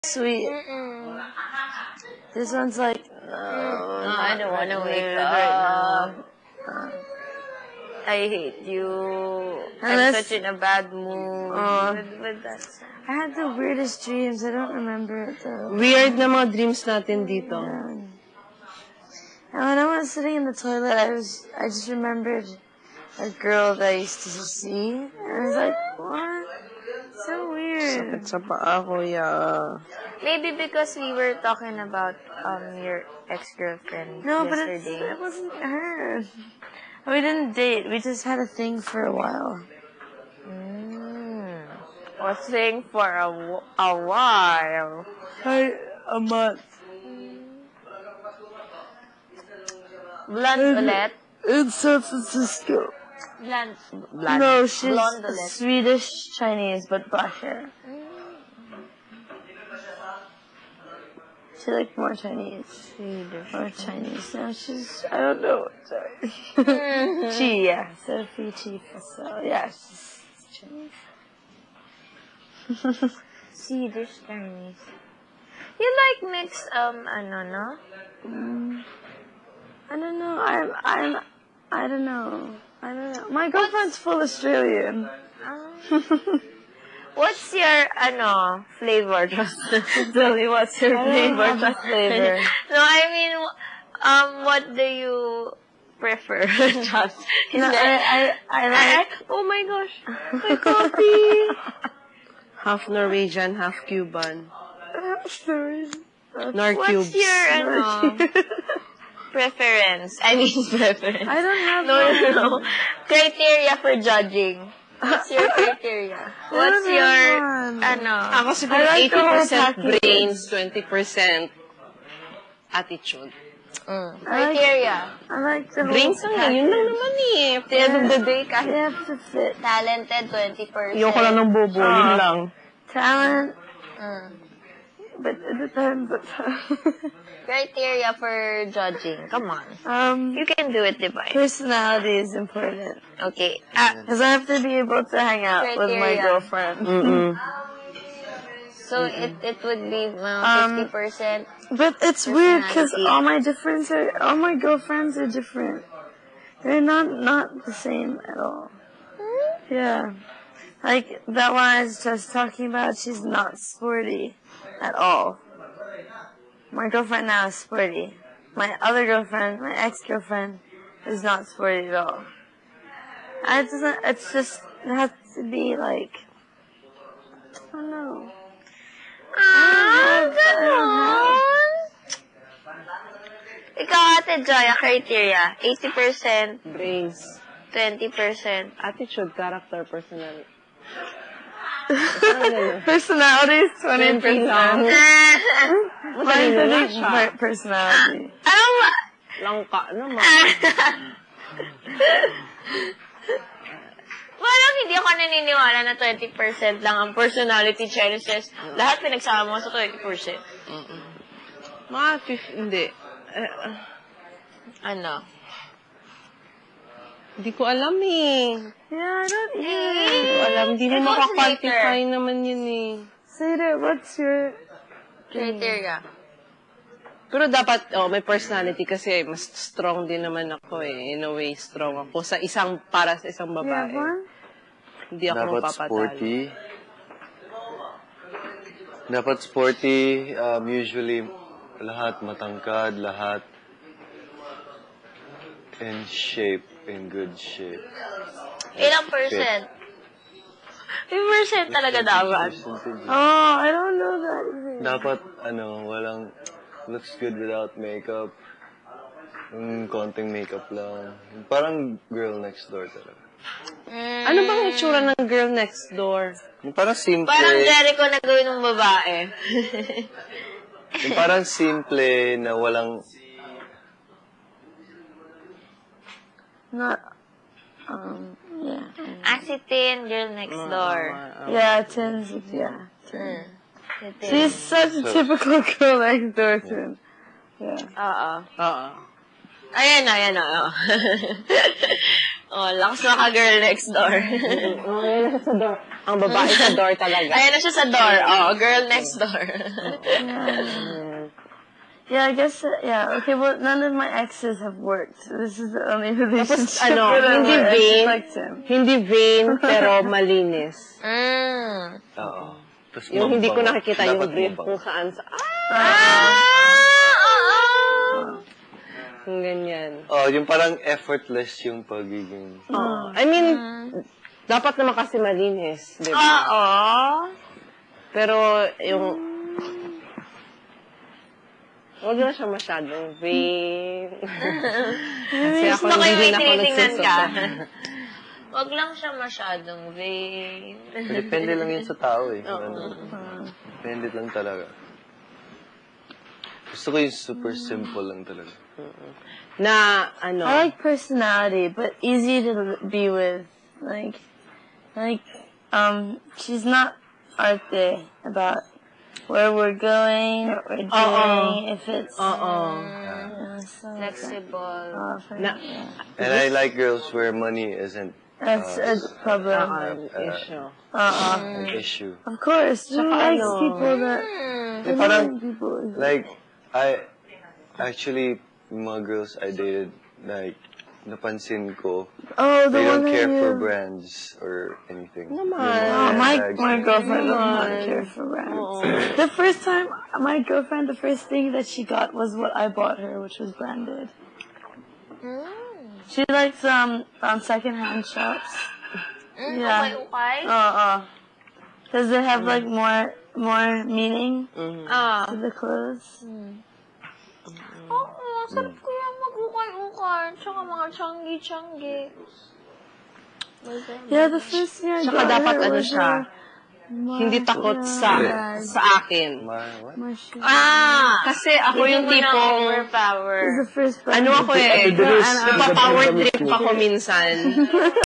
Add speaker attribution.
Speaker 1: sweet. This one's like,
Speaker 2: I don't want to wake up right now. I hate you. I'm such in a bad mood. But that's...
Speaker 1: I had the weirdest dreams. I don't remember it though.
Speaker 3: Weird na mga dreams natin dito.
Speaker 1: And when I was sitting in the toilet, I just remembered a girl that I used to see. And I was like, what? So weird.
Speaker 3: Sakit sa paa ko, yeah.
Speaker 2: Maybe because we were talking about your ex-girlfriend yesterday.
Speaker 1: It wasn't her. We didn't date. We just had a thing for a while.
Speaker 2: A thing for a while.
Speaker 1: A month.
Speaker 2: Blonde ulit?
Speaker 1: In San Francisco.
Speaker 2: Blonde.
Speaker 1: No, she's
Speaker 2: Blonde ulit.
Speaker 1: Swedish Chinese, but black hair. She like more Chinese.
Speaker 2: Swedish.
Speaker 1: More Chinese. No, she's, I don't know. Sorry. She, yeah. Sophie Chifa. So, yeah, she's Chinese.
Speaker 2: Swedish Chinese. You like mixed, ano, no?
Speaker 1: I don't know. I don't know. My girlfriend's full Australian.
Speaker 2: What's your, flavor? Tell me what's your flavor?
Speaker 1: Flavor.
Speaker 2: No, I mean, what do you prefer? Just,
Speaker 1: I like...
Speaker 2: Oh my gosh, my coffee!
Speaker 3: Half Norwegian, half Cuban. Nor
Speaker 2: What's
Speaker 3: cubes.
Speaker 2: your, preference? I mean, preference.
Speaker 1: I don't have
Speaker 2: No. Criteria for judging. What's your criteria? What's your,
Speaker 3: Ako siguro
Speaker 1: I like
Speaker 3: 80% brains, 20% attitude.
Speaker 2: Criteria.
Speaker 1: I like the whole
Speaker 3: Brains lang yun lang naman eh. At the end of the day,
Speaker 1: You
Speaker 3: kahit
Speaker 1: have to fit.
Speaker 2: Talented, 20%.
Speaker 3: ayoko lang ng bobo, yun lang.
Speaker 1: Talent. But it depends.
Speaker 2: Criteria for judging. Come on. You can do it, diba?
Speaker 1: Personality is important.
Speaker 2: Okay.
Speaker 1: Because I have to be able to hang out with my
Speaker 2: Criteria.
Speaker 1: girlfriend.
Speaker 2: So it would be 50%.
Speaker 1: But it's weird because
Speaker 2: Personality.
Speaker 1: all my girlfriends are different. They're not the same at all. Yeah. Like, that one I was just talking about, she's not sporty at all. My girlfriend now is sporty. My other girlfriend, my ex-girlfriend, is not sporty at all. It has to be like, I don't know.
Speaker 2: Ganon. Ikaw, Ate Joy, criteria. 80%,
Speaker 3: Brains.
Speaker 2: 20%.
Speaker 3: Attitude, character, personality.
Speaker 1: Personality is 20%.
Speaker 3: Matalino na siya.
Speaker 1: Personality.
Speaker 3: Langka naman.
Speaker 2: Parang hindi ako naniniwala na 20% lang ang personality challenges. Lahat pinagsama mo sa 20%.
Speaker 3: Mga 50, hindi. Hindi ko alam eh.
Speaker 1: Yeah, I don't
Speaker 3: Hindi ko alam. Hindi mo makakantify naman yun eh.
Speaker 1: Saida, what's your
Speaker 2: Criteria.
Speaker 3: Pero dapat, may personality kasi mas strong din naman ako eh. In a way, strong ako para sa isang babae. Hindi ako
Speaker 4: Dapat
Speaker 3: mapapatalo.
Speaker 4: sporty. Dapat sporty. Usually, lahat matangkad, lahat in shape, in good shape.
Speaker 2: Ilang percent? Yung percent talaga dapat.
Speaker 1: Oh, I don't know that.
Speaker 4: Dapat, walang looks good without makeup. Konting makeup lang. Parang girl next door talaga.
Speaker 3: Ano bang itsura ng girl next door?
Speaker 4: Yung parang simple.
Speaker 2: Parang Jericho na gawin ng babae.
Speaker 4: Yung parang simple na walang...
Speaker 1: Not, yeah.
Speaker 2: Asitin, girl next door.
Speaker 1: Yeah, Tins, yeah. She's such a typical girl next door, Tin. Yeah.
Speaker 3: Oo.
Speaker 2: Ayan na. Oh, lakas maka girl next door.
Speaker 3: Sa door. Ang babae sa door talaga.
Speaker 2: Ayan na siya sa door. Oh, girl next door.
Speaker 1: Yeah, I guess, okay, well, none of my exes have worked. This is the only relationship
Speaker 3: Tapos,
Speaker 1: that I
Speaker 3: hindi
Speaker 1: actually
Speaker 3: vain,
Speaker 1: liked him.
Speaker 3: hindi vain, pero malinis.
Speaker 4: Oo. Tapos
Speaker 3: Yung hindi ko
Speaker 4: mabango.
Speaker 3: nakikita yung
Speaker 4: Dapat
Speaker 3: brief
Speaker 4: mabango.
Speaker 3: kung saan sa, yung ganyan.
Speaker 4: Oh, yung parang effortless yung pagiging...
Speaker 3: I mean, dapat naman kasi malinis, di ba? Pero, yung, huwag na siya masyadong vain. Kasi ako
Speaker 2: Gusto ko yung
Speaker 3: hindi
Speaker 2: may
Speaker 3: na ako
Speaker 2: tinitingnan ka.
Speaker 3: nagsusuot.
Speaker 2: Wag lang siya masyadong vain.
Speaker 4: Depende lang yun sa tao eh. Depende lang talaga. Gusto ko yung super simple lang talaga.
Speaker 3: Na, ano,
Speaker 1: I like personality, but easy to be with. Like, she's not arte about where we're going, what we're doing, if it's
Speaker 2: Flexible.
Speaker 4: And I like girls where money isn't
Speaker 1: that's a problem.
Speaker 3: issue.
Speaker 4: an issue.
Speaker 1: Of course, who likes people that
Speaker 4: Parang,
Speaker 1: people?
Speaker 4: like, I actually, mga girls I dated, like, napansin ko,
Speaker 1: Oh, the
Speaker 4: they
Speaker 1: one
Speaker 4: don't
Speaker 1: that
Speaker 4: care for
Speaker 1: you...
Speaker 4: brands or anything.
Speaker 1: Oh, my girlfriend does not care for brands. The first time, my girlfriend, the first thing that she got was what I bought her, which was branded. She likes secondhand shops. Yeah.
Speaker 2: Okay.
Speaker 1: Because they have like more meaning to the clothes.
Speaker 2: Oo, sarap ko yung mag-ukay-ukay. Tsaka mga changi-changi.
Speaker 1: Yeah, the first thing I
Speaker 3: Tsaka
Speaker 1: got
Speaker 3: dapat
Speaker 1: her
Speaker 3: ano
Speaker 1: was
Speaker 3: siya, hindi takot sa akin.
Speaker 4: What?
Speaker 1: my shoe.
Speaker 3: Kasi ako yung tipong,
Speaker 2: Overpower.
Speaker 1: The first
Speaker 3: ano ako eh, napapower trip ako minsan.